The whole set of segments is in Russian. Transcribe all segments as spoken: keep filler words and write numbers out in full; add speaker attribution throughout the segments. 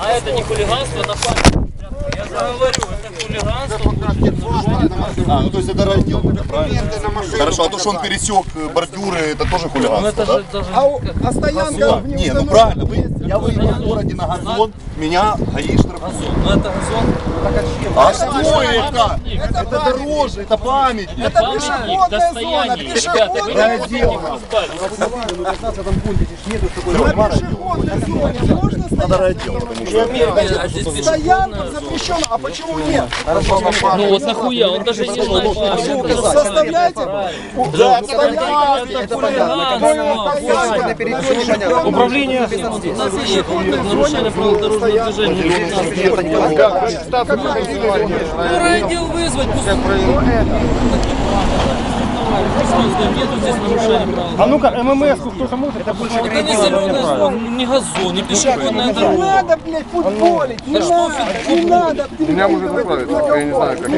Speaker 1: А это не хулиганство, это память. Я же говорю, это хулиганство.
Speaker 2: А, ну то есть это раздел, правильно? Хорошо, а то, что он пересек бордюры, это тоже хулиганство,
Speaker 1: это
Speaker 2: да?
Speaker 1: же даже...
Speaker 3: А, а стоянка в
Speaker 2: Не, ну правильно, вы, я выехал в городе на газон, меня гаишь штрафуют.
Speaker 1: Ну это газон.
Speaker 2: А что это? Это дороже, это памятник.
Speaker 3: Это пешеходная зона, пешеходная зона. На пешеходной зоне можно
Speaker 2: Надо
Speaker 3: стоять?
Speaker 2: раздел, потому что...
Speaker 3: Стоянка запрещена, а почему нет?
Speaker 1: Ну вот нахуя, он даже не знает.
Speaker 3: Составляйте.
Speaker 2: Да,
Speaker 1: Это хулиганство. Управление у нас есть нарушение правил дорожного движения. Ну райотдел вызвать, пусть... Нету здесь нарушения правил.
Speaker 4: А ну-ка, ММС-ку кто-то может? Это больше
Speaker 1: Это не зеленая зона, не газон, не пешеходная
Speaker 3: Не
Speaker 1: дорога.
Speaker 3: надо, блядь, футболить, не надо, не надо.
Speaker 5: Меня можно заправить, я не знаю, как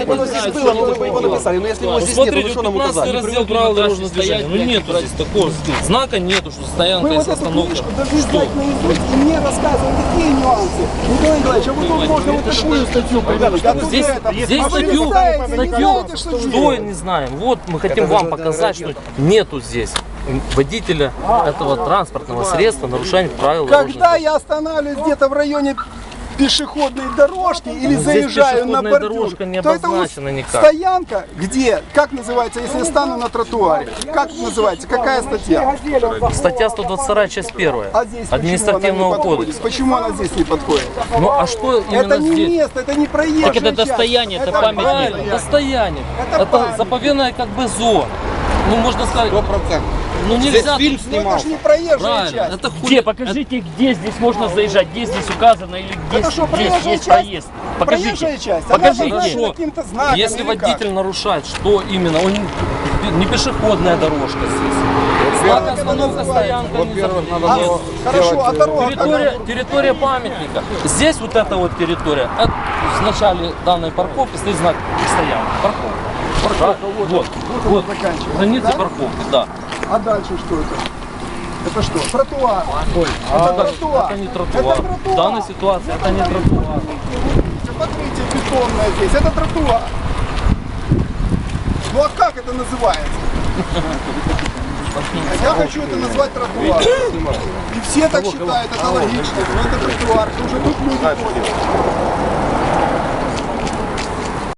Speaker 5: я.
Speaker 1: Смотрите, пятнадцатый раздел правил дорожного движения. Ну нету здесь такого знака, нету, что стоянка
Speaker 3: Вы
Speaker 1: и
Speaker 3: вот эту
Speaker 1: остановка.
Speaker 3: книжку должны знать наизусть и мне рассказывать такие нюансы. Николай Николаевич, а вы тут можно вот такую статью придумать.
Speaker 1: Здесь, здесь
Speaker 3: А вы не
Speaker 1: статью,
Speaker 3: знаете, не
Speaker 1: статью,
Speaker 3: знаете, что
Speaker 1: что
Speaker 3: делать.
Speaker 1: не знаем. Вот мы хотим вам показать, что нету здесь водителя этого транспортного средства нарушения правил дорожного
Speaker 3: Когда
Speaker 1: движения.
Speaker 3: я останавливаюсь где-то в районе пешеходной дорожки или
Speaker 1: Здесь
Speaker 3: заезжаю на
Speaker 1: пешеходная
Speaker 3: бордюр,
Speaker 1: дорожка не
Speaker 3: то это вот
Speaker 1: обозначена никак.
Speaker 3: стоянка, где, как называется, если я стану на тротуаре, как называется, какая статья?
Speaker 1: Статья сто двадцать вторая, часть первая
Speaker 3: А здесь
Speaker 1: административного
Speaker 3: почему она не подходит?
Speaker 1: кодекса.
Speaker 3: Почему она здесь не подходит?
Speaker 1: Ну а что именно
Speaker 3: Это не
Speaker 1: здесь?
Speaker 3: место, это не проезжая
Speaker 1: Так это
Speaker 3: часть.
Speaker 1: достояние, это памятник. Достояние.
Speaker 3: Это
Speaker 1: Это
Speaker 3: памятник.
Speaker 1: заповедная как бы зона. Ну можно сказать,
Speaker 5: Сто процентов.
Speaker 1: ну нельзя.
Speaker 5: фильм
Speaker 3: Ну это ж не проезжая
Speaker 1: Правильно.
Speaker 3: часть.
Speaker 1: Это хуй.
Speaker 4: Где? Покажите, где здесь можно заезжать, где здесь указано или где
Speaker 3: Это что,
Speaker 4: здесь
Speaker 3: проезжая
Speaker 4: есть
Speaker 3: часть?
Speaker 4: проезд.
Speaker 3: Проезжая
Speaker 4: Покажите.
Speaker 3: часть.
Speaker 4: Покажите.
Speaker 3: Она обозначена каким-то знаком.
Speaker 1: Если
Speaker 3: или как?
Speaker 1: водитель нарушает, что именно? Он не пешеходная дорожка здесь. Знак остановка, стоянка. не за-
Speaker 3: А,
Speaker 1: Нет.
Speaker 3: хорошо, а дорога?
Speaker 1: Территория, территория памятника. Здесь вот эта вот территория. Это в начале данной парковки стоит знак стоянки. Парковка.
Speaker 3: Парковка, вот,
Speaker 1: Вот,
Speaker 3: вот,
Speaker 1: вот,
Speaker 3: заканчивается.
Speaker 1: граница
Speaker 3: Да?
Speaker 1: парковки, да.
Speaker 3: А дальше что это? Это что? Тротуар.
Speaker 1: Ой,
Speaker 3: это
Speaker 1: это,
Speaker 3: тротуар.
Speaker 1: это не тротуар.
Speaker 3: Это тротуар.
Speaker 1: В данной ситуации это не тротуар.
Speaker 3: Смотрите, бетонная здесь. Это тротуар. Ну а как это называется? Я хочу это назвать тротуар. И все так считают, это логично. Но это тротуар, уже тут люди ходят.